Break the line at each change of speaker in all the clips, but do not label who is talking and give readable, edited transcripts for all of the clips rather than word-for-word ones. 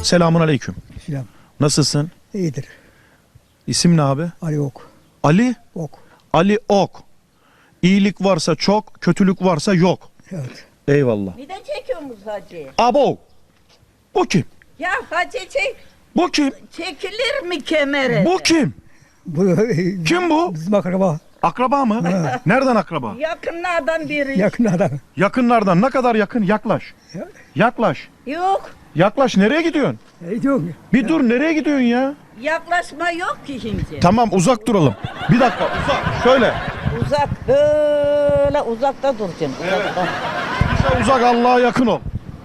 Selamun aleyküm.
Selam.
Nasılsın?
İyidir.
İsim ne abi?
Ali Ok.
Ali?
Ok.
Ali Ok. İyilik varsa çok, kötülük varsa yok.
Evet.
Eyvallah.
Bir de çekiyormuş hacı.
Abo. Bu kim?
Ya hacı
Bu kim?
çekilir mi kemere?
Bu kim?
Bu
Kim bu?
bizim akraba.
Akraba mı? Nereden akraba?
Yakınlardan biri.
Yakın adam.
Yakınlardan. Ne kadar yakın? Yaklaş. Yaklaş.
Yok.
Yaklaş. Nereye gidiyorsun?
Yok.
Bir dur, nereye gidiyorsun ya?
Yaklaşma yok ki şimdi.
Tamam, uzak duralım. Bir dakika, uzak. Şöyle.
Uzak böyle uzakta duracaksın.
Evet. Bize uzak, Allah'a yakın ol.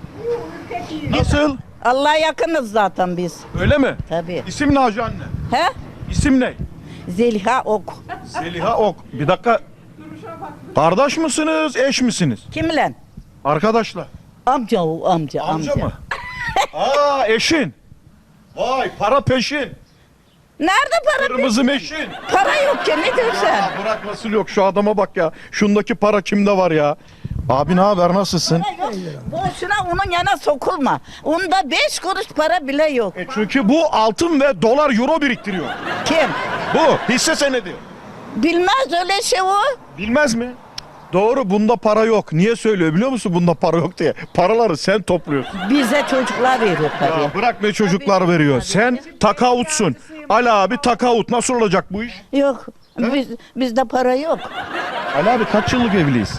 Nasıl?
Allah'a yakınız zaten biz.
Öyle mi?
Tabii.
İsim ne hacı anne?
He?
İsim ne?
Zeliha Ok.
Zeliha Ok. Bir dakika. Kardeş misiniz, eş misiniz?
Kimle?
Arkadaşlar.
Amca o amca.
Amca mı? Aa, eşin. Vay, para peşin.
Nerede para?
Kırmızı meşin.
Para yok ki ne diyorsun?
Ya bırak, nasıl yok, şu adama bak ya. Şundaki para kimde var ya? Abi ne haber, nasılsın?
Para yok. Boşuna onun yana sokulma. Onda 5 kuruş para bile yok.
Çünkü bu altın ve dolar, euro biriktiriyor.
Kim?
Bu hisse senedi.
Bilmez öyle şey o.
Bilmez mi? Doğru, bunda para yok. Niye söylüyor biliyor musun bunda para yok diye? Paraları sen topluyorsun.
Bize çocuklar veriyor tabii.
Ya bırak, ne çocuklar veriyor. Sen takavutsun. Ali abi takavut. Nasıl olacak bu iş?
Yok. Bizde para yok.
Ali abi kaç yıllık evliyiz?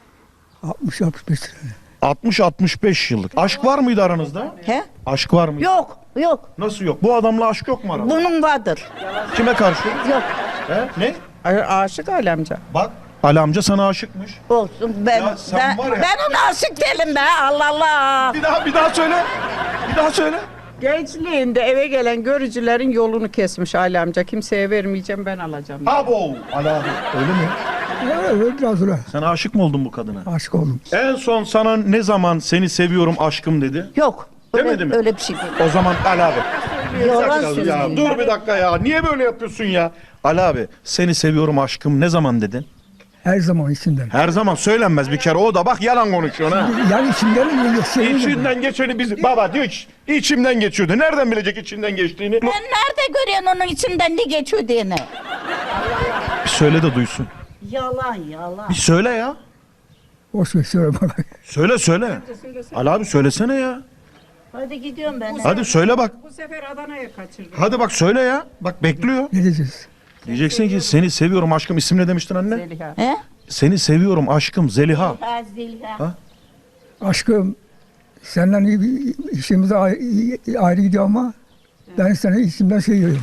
60-65 lira.
60-65 yıllık. Aşk var mıydı aranızda?
He?
Aşk var mıydı?
Yok. Yok.
Nasıl yok? Bu adamla aşk yok mu aranızda?
Bunun vardır.
Kime karşı?
Yok.
He? Ne?
Aşık Ali amca.
Bak. Ali amca sana aşıkmış.
Olsun. Ben
Ya sen var ya-
ben ona aşık değilim be. Allah Allah.
Bir daha söyle. Bir daha söyle.
Gençliğinde eve gelen görücülerin yolunu kesmiş Ali amca. Kimseye vermeyeceğim, ben alacağım.
Abo. Ali abi. Öyle mi?
Evet, biraz sonra
Sen aşık mı oldun bu kadına?
aşık oldum.
En son sana ne zaman seni seviyorum aşkım dedi?
Yok.
Demedi mi?
Öyle bir şey değil.
O zaman Ali abi.
Yalan
Ya,
söylüyor.
dur bir dakika ya. Niye böyle yapıyorsun ya? Ali abi, seni seviyorum aşkım ne zaman dedin?
Her zaman içinden.
Her zaman söylenmez bir kere. O da bak yalan konuşuyor ha.
Yani içimden
İçinden geçeni biz baba diyor ki içimden geçiyordu. Nereden bilecek içinden geçtiğini?
Ben nerede görüyorsun onun içinden ne geçiyor diye ne?
Bir söyle de duysun.
Yalan yalan.
Bir söyle ya.
Boş ver söyle bana.
Söyle. Ali abi söylesene ya.
Hadi gidiyorum ben.
Hadi söyle bak.
Bu sefer Adana'ya kaçırdım.
Hadi bak söyle ya. Bak bekliyor.
Ne diyeceğiz?
Diyeceksin ki seni seviyorum aşkım. İsim ne demiştin anne?
Zeliha.
He?
Seni seviyorum aşkım Zeliha.
Ha, Zeliha.
Ha?
Aşkım senden iyi bir işimiz ayrı gidiyor ama ben seni içimden seviyorum.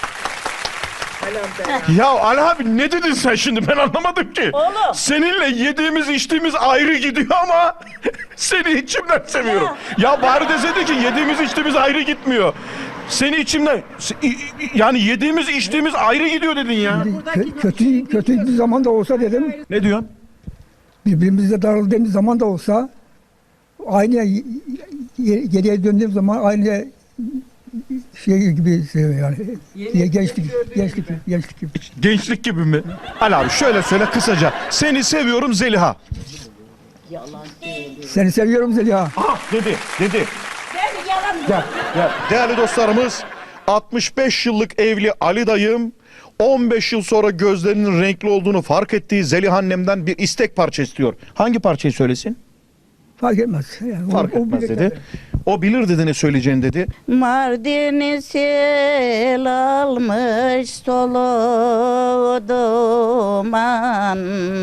Ya Ali abi ne dedin sen şimdi, ben anlamadım ki.
Oğlum.
Seninle yediğimiz içtiğimiz ayrı gidiyor ama seni içimden seviyorum. Ya bari deseydi ki yediğimiz içtiğimiz ayrı gitmiyor. Seni içimden yani yediğimiz içtiğimiz ayrı gidiyor dedin ya.
Kötü bir zaman da olsa dedim,
Ne diyorsun?
birbirimizle darıldığımız zaman da olsa aynı geriye döndüğüm zaman aynı şey gibi seviyorum yani. Gençlik gibi.
Gençlik gibi mi? Ali abi şöyle söyle kısaca. Seni seviyorum Zeliha.
Yalan söylüyor.
Seni seviyorum Zeliha.
Aha dedi.
Ben yalan
Ya, değerli dostlarımız, 65 yıllık evli Ali dayım 15 yıl sonra gözlerinin renkli olduğunu fark ettiği Zeliha annemden bir istek parça istiyor. Hangi parçayı söylesin?
Fark etmez. Yani
Fark etmez
bilir
dedi.
zaten.
O bilir dedi ne söyleyeceğini dedi.
Mardin'i sel almış solu duman.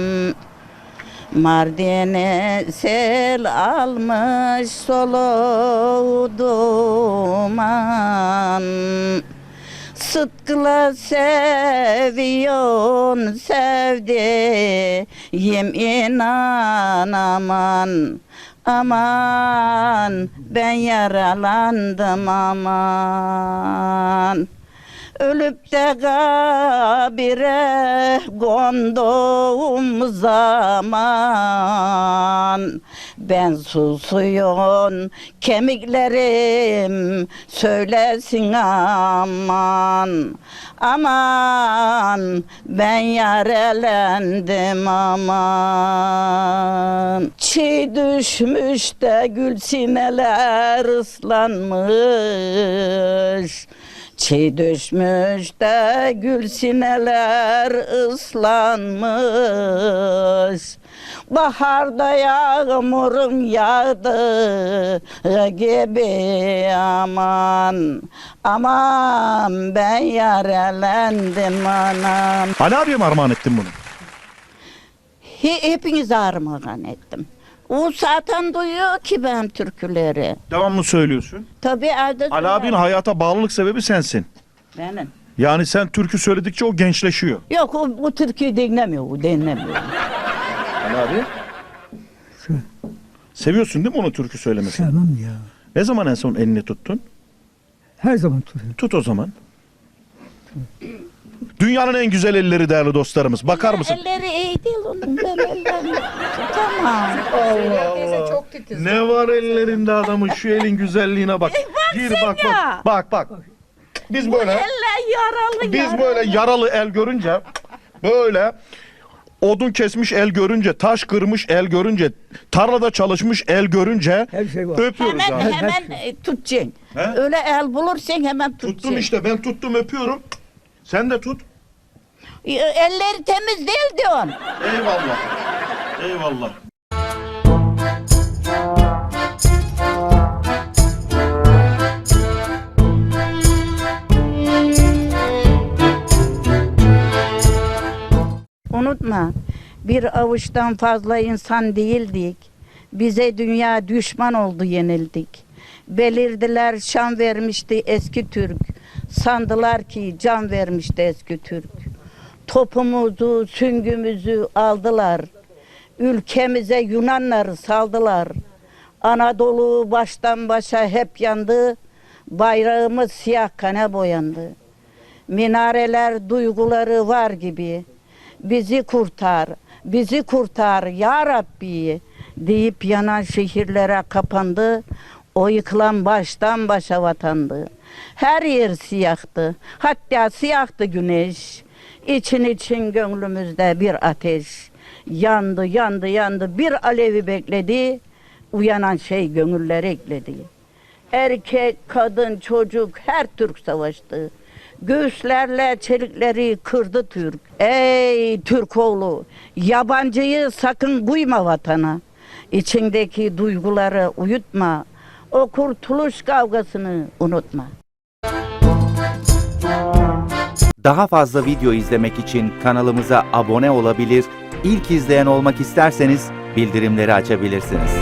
Mardin'i sel almış solu duman. Sıtkıla seviyorsun sevdiğim inan aman. Aman ben yaralandım aman. Ölüp de kabire konduğum zaman Ben susuyum, kemiklerim söylesin aman. Aman, ben yarelendim aman. Çiğ düşmüş de gül sineler ıslanmış. Çiğ düşmüş de gül sineler ıslanmış. Baharda yağmurun yağdı gibi aman. Aman ben yarelendim anam.
Ali abiye mi armağan ettin bunu?
Hepinize armağan ettim. O zaten duyuyor ki ben türküleri.
Devamlı söylüyorsun.
Tabii evde
Ali
söylerim.
abinin hayata bağlılık sebebi sensin.
Benim.
Yani sen türkü söyledikçe o gençleşiyor.
Yok o türküyü dinlemiyor, o dinlemiyor.
Ali abi. Seviyorsun değil mi onu türkü söylemesini?
Sevmem ya.
Ne zaman en son elini tuttun?
Her zaman tutuyorum.
Tut o zaman. Dünyanın en güzel elleri değerli dostlarımız. Bakar mısın?
Elleri iyi değil onun, ben ellerini tutamam.
Teyze çok titiz.
Ne var ellerinde adamın, şu elin güzelliğine bak. Gir bak
ya.
bak. Biz böyle
Eller yaralı
yaralı el görünce, böyle odun kesmiş el görünce, taş kırmış el görünce, tarlada çalışmış el görünce
Her şey var.
öpüyoruz
Hemen
abi.
tutacaksın.
He?
Öyle el bulursan hemen tutacaksın.
Tuttum işte, ben tuttum, öpüyorum. Sen de tut.
Elleri temiz değil diyorsun.
Eyvallah. Eyvallah.
Unutma, bir avuçtan fazla insan değildik. Bize dünya düşman oldu, yenildik. Belirdiler şan vermişti eski Türk. Sandılar ki can vermişti eski Türk. Topumuzu, süngümüzü aldılar. Ülkemize Yunanları saldılar. Anadolu baştan başa hep yandı. Bayrağımız siyah kana boyandı. Minareler duyguları var gibi. Bizi kurtar, bizi kurtar ya Rabbi deyip yanan şehirlere kapandı. O yıkılan baştan başa vatandı. Her yer siyahtı, hatta siyahtı güneş. İçin için gönlümüzde bir ateş. Yandı, yandı, yandı, bir alevi bekledi. Uyanan şey gönüller ekledi. Erkek, kadın, çocuk her Türk savaştı. Göğüslerle çelikleri kırdı Türk. Ey Türkoğlu, yabancıyı sakın buyma vatana. İçindeki duyguları uyutma. O kurtuluş kavgasını unutma.
Daha fazla video izlemek için kanalımıza abone olabilir, ilk izleyen olmak isterseniz bildirimleri açabilirsiniz.